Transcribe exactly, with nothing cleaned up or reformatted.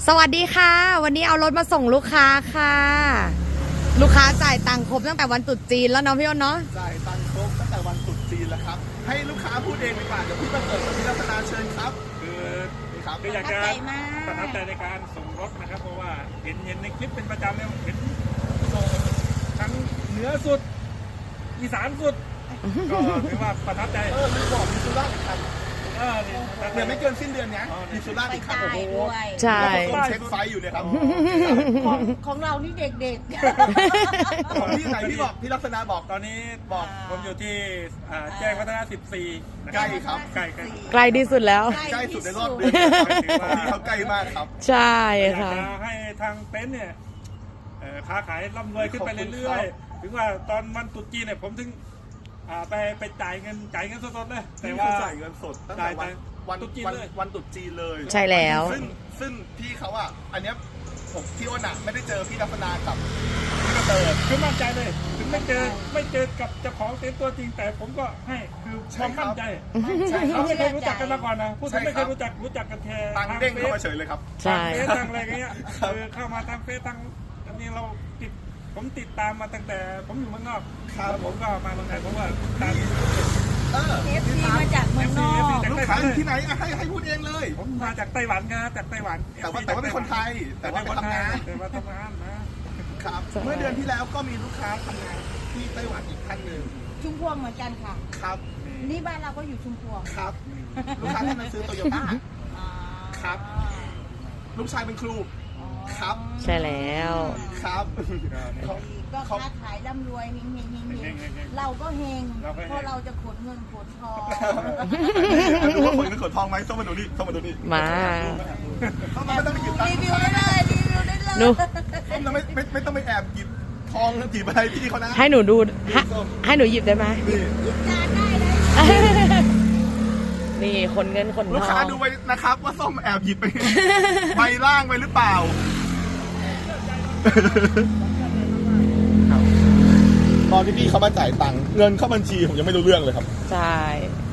สวัสดีค่ะวันนี้เอารถมาส่งลูกค้าค่ะลูกค้าจ่ายตังค์ครบตั้งแต่วันตรุษจีนแล้วเนาะพี่อ้นเนาะจ่ายตังค์ครบตั้งแต่วันตรุษจีนแล้วครับให้ลูกค้าพูดเองดีกว่าเดี๋ยวพี่ประเสริฐกับพี่รัตนาเชิญครับคือครับคืออยากจะประทับใจในการส่งรถนะครับเพราะว่าเห็นเห็นในคลิปเป็นประจำเนี่ยเห็นส่งทั้งเหนือสุดอีสานสุดก็ถือว่าประทับใจเออลืมบอกมีสุราษฎร์อีกคันเออนี่เดี๋ยวไม่เกินสิ้นเดือนนี้มีสุราษฎร์อีกคันโอ้โหใช่ผมเช็คไฟอยู่เนี่ยครับของของเรานี่เด็กของพี่ไหนพี่บอกพี่ลักษณะบอกตอนนี้บอกผมอยู่ที่อ่าแจ้งวัฒนะสิบสี่นะใกล้ครับใกล้ใกล้ใกล้ที่สุดแล้วใกล้สุดในรอบเดือนของพี่เขาใกล้มากครับใช่อยากค่ะจะให้ทางเต็นท์เนี่ยเอ่อค้าขายร่ำรวยขึ้นไปเรื่อยๆถึงว่าตอนวันตรุษจีนเนี่ยผมถึงอ่าไปไปจ่ายเงินจ่ายเงินสดๆเลยแต่แต่ว่าว่าจ่ายเงินสดตั้งแต่วันวันตรุษจีนวันเลยวันตรุษจีนเลยใช่แล้วซึ่งซึ่งพี่เขาอ่ะอันเนี้ยผมพี่อ้นอ่ะไม่ได้เจอพี่ลักษณะกับพี่กระเติร์ดคือมั่นใจเลย ถึงไม่เจอไม่เจอกับเจ้าของเต็นท์ตัวจริงแต่ผมก็ให้คือความมั่นใจใช่ครัเราบไม่เคยรู้จักกันมาก่อนนะพูดถึงไม่เคยรู้จักรู้จักกันแค่ตังค์เด้งเข้ามาเฉยเลยครับใช่ทางเฟซทางอะไรเงี้ยคือเข้ามาทางเฟซทางอันนี้เราติดผมติดตามมาตั้งแต่ผมอยู่เมืองนอกครับแล้วผมก็มาเมืองไทยเพราะว่าตามเออๆ เอฟซีมาจากเมืองนอกลูกค้าอยู่ที่ไหนอ่ะให้ให้พูดเองเลยผมมาจากไต้หวันครับจากไต้หวันแต่ว่าแต่ว่าเป็นคนไทย แต่ว่าไปทำงานแต่ว่าทำงานนะครับ เมื่อเดือนที่แล้วก็มีลูกค้าทำงานที่ไต้หวันอีกท่านหนึ่งชุมพวงเหมือนกันค่ะครับนี่บ้านเราก็อยู่ชุมพวงครับ ลูกค้าที่มาซื้อโตโยต้าอ่าครับ ลูกชายเป็นครู ครับใช่แล้วครับก็ค้าขายร่ำรวยเฮงเฮงเฮงเฮงเราก็เฮงเพราะเราจะขนเงินขนทองดูว่าคนนึกขนทองไหมต้องมาดูนี่ต้องมาดูนี่มาต้องไม่ต้องไปหยิบตังรีค์วิวได้เลยรีวิวได้เลยหนูต้องไม่ไม่ไม่ต้องไปแอบหยิบทองหยิบอะไรพี่เขานะให้หนูดูให้ให้หนูหยิบได้ไหมนี่จานได้เลยนี่คนเงินคนลูกทค้าองดูไว้นะครับว่าส้มแอบหยิบไป ใบล่างไปหรือเปล่าตอนที่พี่เขามาจ่ายตังค์เงินเข้าบัญชีผมยังไม่รู้เรื่องเลยครับใช่